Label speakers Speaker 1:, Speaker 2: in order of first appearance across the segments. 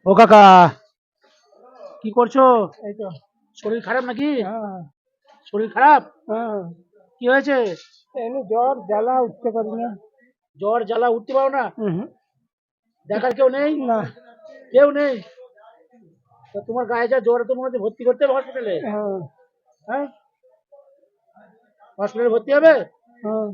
Speaker 1: ও কাকা, কি করছো?
Speaker 2: এই তো।
Speaker 1: শরীর খারাপ নাকি?
Speaker 2: হ্যাঁ।
Speaker 1: শরীর খারাপ?
Speaker 2: হ্যাঁ।
Speaker 1: কি হয়েছে?
Speaker 2: এমনি জ্বর জ্বালা উঠতে পারি না।
Speaker 1: জ্বর জ্বালা, উঠতে পারো না?
Speaker 2: হুম।
Speaker 1: দেখার কেউ নেই?
Speaker 2: না।
Speaker 1: কেউ নেই? তো তোমার গায়ে যা জ্বর, তো মনে হচ্ছে ভর্তি করতে হবে হসপিটালে।
Speaker 2: হ্যাঁ।
Speaker 1: হ্যাঁ, হসপিটালে ভর্তি হবে।
Speaker 2: হ্যাঁ।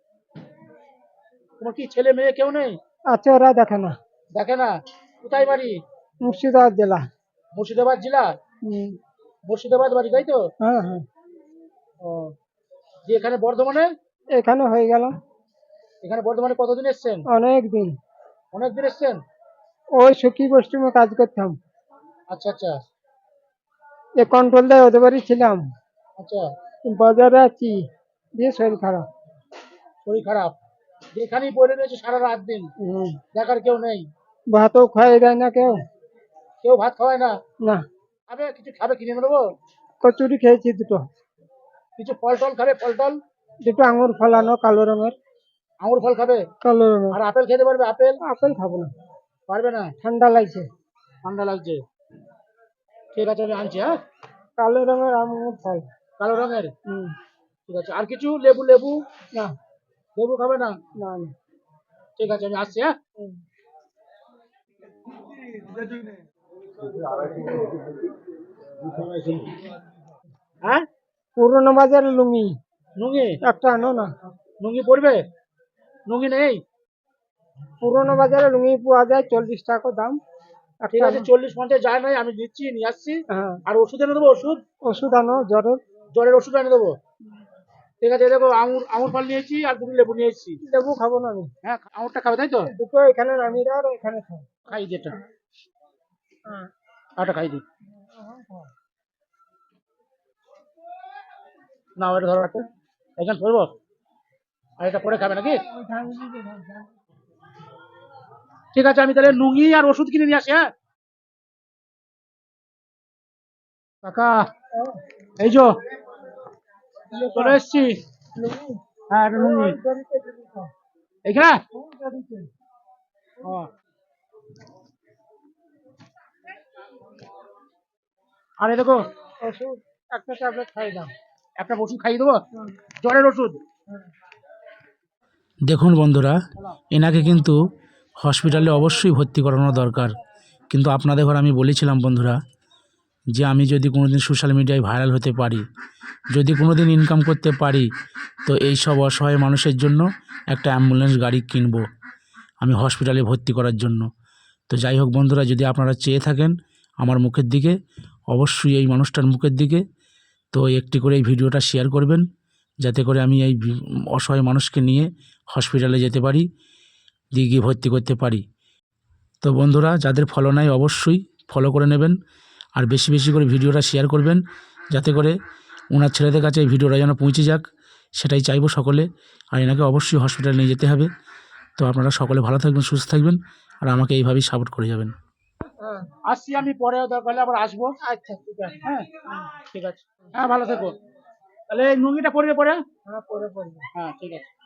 Speaker 1: তোমার কি ছেলে মেয়ে কেউ নেই?
Speaker 2: আছে, ওরা দেখে না।
Speaker 1: দেখে না? কোথায় বাড়ি?
Speaker 2: মুর্শিদাবাদ জেলা।
Speaker 1: মুর্শিদাবাদ জেলা?
Speaker 2: হুম।
Speaker 1: মুর্শিদাবাদ বাড়ি, তাই তো?
Speaker 2: হ্যাঁ হ্যাঁ।
Speaker 1: ও, যে এখানে বর্ধমানে?
Speaker 2: এখানে হয়ে গেল
Speaker 1: এখানে বর্ধমানে কতদিন এসছেন?
Speaker 2: অনেক দিন।
Speaker 1: অনেকদিন এসছেন?
Speaker 2: ওই সখী গোষ্ঠীমে কাজ করতাম।
Speaker 1: আচ্ছা আচ্ছা
Speaker 2: এ কন্ট্রোল দেয় ওদের বাড়ি ছিলাম।
Speaker 1: আচ্ছা।
Speaker 2: বাজারে আছি, দিয়ে শরীর খারাপ।
Speaker 1: শরীর খারাপ, যেখানেই পড়ে রয়েছে সারা রাত দিন,
Speaker 2: হুম।
Speaker 1: দেখার কেউ নেই?
Speaker 2: ভাতও খাই দেয় না কেউ।
Speaker 1: কেউ ভাত খাওয়ায় না?
Speaker 2: না।
Speaker 1: খাবে, কিছু খাবে, কিনে এনে দেবো?
Speaker 2: কচুরি খেয়েছি দুটো।
Speaker 1: কিছু ফল টল খাবে, ফল টল?
Speaker 2: দুটো আঙুর ফলানো কালো রঙের।
Speaker 1: আঙুর ফল খাবে?
Speaker 2: কালো রঙের।
Speaker 1: আর আপেল খেতে পারবে? আপেল?
Speaker 2: আপেল খাবো না,
Speaker 1: পারবে না?
Speaker 2: ঠান্ডা লাগছে।
Speaker 1: ঠান্ডা লাগছে? ঠিক আছে, আমি আনছি। হ্যাঁ,
Speaker 2: কালো রঙের আঙুর ফল।
Speaker 1: কালো রঙের?
Speaker 2: হুম।
Speaker 1: ঠিক আছে। আর কিছু? লেবু? লেবু?
Speaker 2: না।
Speaker 1: লেবু খাবে না?
Speaker 2: না না।
Speaker 1: ঠিক আছে, আমি আসছি। হ্যাঁ।
Speaker 2: হুম।
Speaker 1: হ্যাঁ,
Speaker 2: পুরোনো বাজার লুঙ্গি
Speaker 1: নুঙ্গি?
Speaker 2: একটা আনো না।
Speaker 1: নুঙ্গি পড়বে? নুঙ্গি নেই?
Speaker 2: পুরোনো বাজারে লুঙ্গি পাওয়া যায় 40 টাকা দাম।
Speaker 1: ঠিক
Speaker 2: একটা
Speaker 1: আছে,
Speaker 2: আনো।
Speaker 1: 40-50 যায় নাই, আমি দিচ্ছি, নিয়ে আসছি।
Speaker 2: হ্যাঁ।
Speaker 1: আর ওষুধ এনে দেবো? ওষুধ?
Speaker 2: ওষুধ আনো জ্বরের।
Speaker 1: জ্বরের ওষুধ এনে দেবো? ঠিক আছে, এই দেখো, আঙুর আঙুর ফল নিয়েছি, আর দুটো লেবু নিয়ে এসেছি।
Speaker 2: লেবু খাবো না আমি।
Speaker 1: হ্যাঁ, আঙুরটা খাবে, তাই তো?
Speaker 2: দুটো এখানে নামিয়ে দাও আর এখানে খাও।
Speaker 1: খাই দিই এটা।
Speaker 2: হ্যাঁ।
Speaker 1: আটা খাই দিই। না, এটা ধরো একটা, এখানে ধরবো, আর এটা পরে খাবে নাকি? ঠিক আছে, আমি তাহলে নুঙ্গি আর ওষুধ কিনে নিয়ে আসি। হ্যাঁ কাকা, এই যো চলে এসছি। হ্যাঁ, এটা নুঙ্গি এইখানে। ও, আর এই দেখো,
Speaker 2: ওষুধ একটা ট্যাবলেট খাই দাও।
Speaker 1: একটা ওষুধ খাইয়ে দেবো, জ্বরের ওষুধ।
Speaker 3: দেখুন বন্ধুরা, এনাকে কিন্তু হসপিটালে অবশ্যই ভর্তি করানো দরকার। কিন্তু আপনাদের ঘর আমি বলেছিলাম বন্ধুরা, যে আমি যদি কোনো দিন সোশ্যাল মিডিয়ায় ভাইরাল হতে পারি, যদি কোনো দিন ইনকাম করতে পারি, তো এই সব অসহায় মানুষের জন্য একটা অ্যাম্বুলেন্স গাড়ি কিনব আমি হসপিটালে ভর্তি করার জন্য। তো যাই হোক বন্ধুরা, যদি আপনারা চেয়ে থাকেন আমার মুখের দিকে, অবশ্যই এই মানুষটার মুখের দিকে, তো একটি করে এই ভিডিওটা শেয়ার করবেন, যাতে করে আমি এই অসহায় মানুষকে নিয়ে হসপিটালে যেতে পারি, দিয়ে গিয়ে ভর্তি করতে পারি। তো বন্ধুরা, যাদের ফলো নাই অবশ্যই ফলো করে নেবেন, আর বেশি বেশি করে ভিডিওটা শেয়ার করবেন, যাতে করে ওনার ছেলেদের কাছে এই ভিডিওটা যেন পৌঁছে যাক, সেটাই চাইবো সকলে। আর এনাকে অবশ্যই হসপিটালে নিয়ে যেতে হবে। তো আপনারা সকলে ভালো থাকবেন, সুস্থ থাকবেন, আর আমাকে এইভাবেই সাপোর্ট করে যাবেন।
Speaker 2: হ্যাঁ।
Speaker 1: আসছি আমি, পরে দরকার হলে আবার আসবো।
Speaker 2: আচ্ছা ঠিক আছে।
Speaker 1: হ্যাঁ, ঠিক আছে। হ্যাঁ, ভালো থেকো। তাহলে এই নুঙ্গিটা পড়বে পরে।
Speaker 2: হ্যাঁ পরে পড়বে।
Speaker 1: হ্যাঁ, ঠিক আছে।